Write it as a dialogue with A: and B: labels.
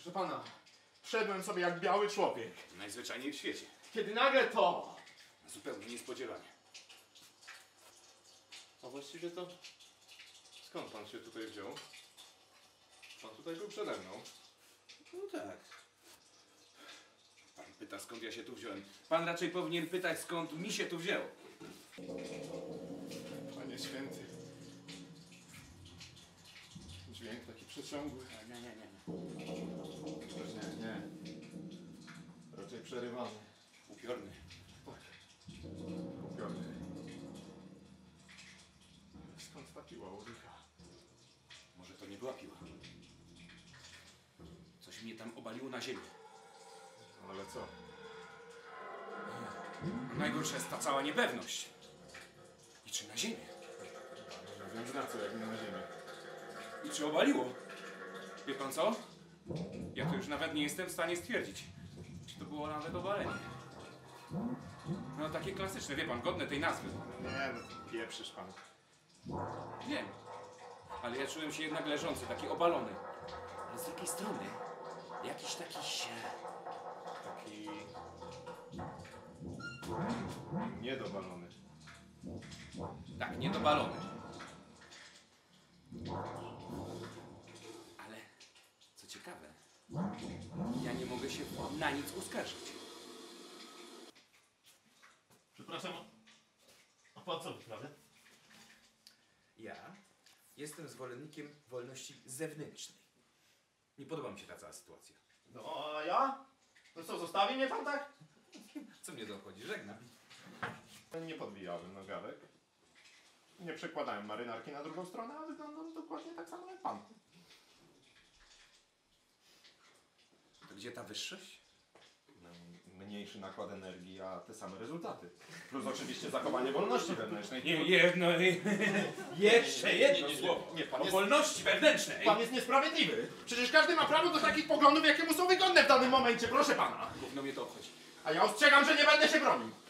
A: Proszę pana, wszedłem sobie jak biały człowiek.
B: Najzwyczajniej w świecie.
A: Kiedy nagle to...
B: Zupełnie niespodziewanie.
A: A właściwie to... Skąd pan się tutaj wziął? Pan tutaj był przede mną.
B: No tak. Pan pyta, skąd ja się tu wziąłem. Pan raczej powinien pytać, skąd mi się tu wzięło.
A: Panie święty. Dźwięk taki przeciągły.
B: Nie.
A: Też nie. Raczej przerywany.
B: Upiorny.
A: Tak. Upiorny. Skąd ta piła u licha?
B: Może to nie była piła. Coś mnie tam obaliło na ziemię.
A: Ale co?
B: Najgorsza jest ta cała niepewność. I czy na ziemię?
A: Ja wiem, że na co, jak nie na ziemię.
B: I czy obaliło? Wie pan co? Ja to już nawet nie jestem w stanie stwierdzić, czy to było nawet obalenie. No takie klasyczne, wie pan, godne tej nazwy.
A: Nie, no pieprzysz pan.
B: Wiem. Ale ja czułem się jednak leżący, taki obalony. Ale z drugiej strony, jakiś taki
A: Taki... niedobalony.
B: tak, niedobalony. Ale, co ciekawe, ja nie mogę się na nic uskarżyć.
C: Przepraszam, a pan co wyprawia?
B: Ja jestem zwolennikiem wolności zewnętrznej. Nie podoba mi się ta cała sytuacja.
C: No a ja? No co, zostawi mnie pan tak?
B: Co mnie to obchodzi? Żegnam.
A: Nie podbijałem nogawek. Nie przekładałem marynarki na drugą stronę, a wyglądam dokładnie tak samo jak pan.
B: To gdzie ta wyższość?
A: Mniejszy nakład energii, a te same rezultaty. Plus oczywiście zachowanie wolności wewnętrznej.
B: Jeszcze jedno słowo.
A: Nie, pan
B: O
A: jest,
B: wolności wewnętrznej.
A: pan jest niesprawiedliwy. Przecież każdy ma prawo do takich poglądów, jakie mu są wygodne w danym momencie, proszę pana.
B: Gówno mnie to obchodzi.
A: A ja ostrzegam, że nie będę się bronił.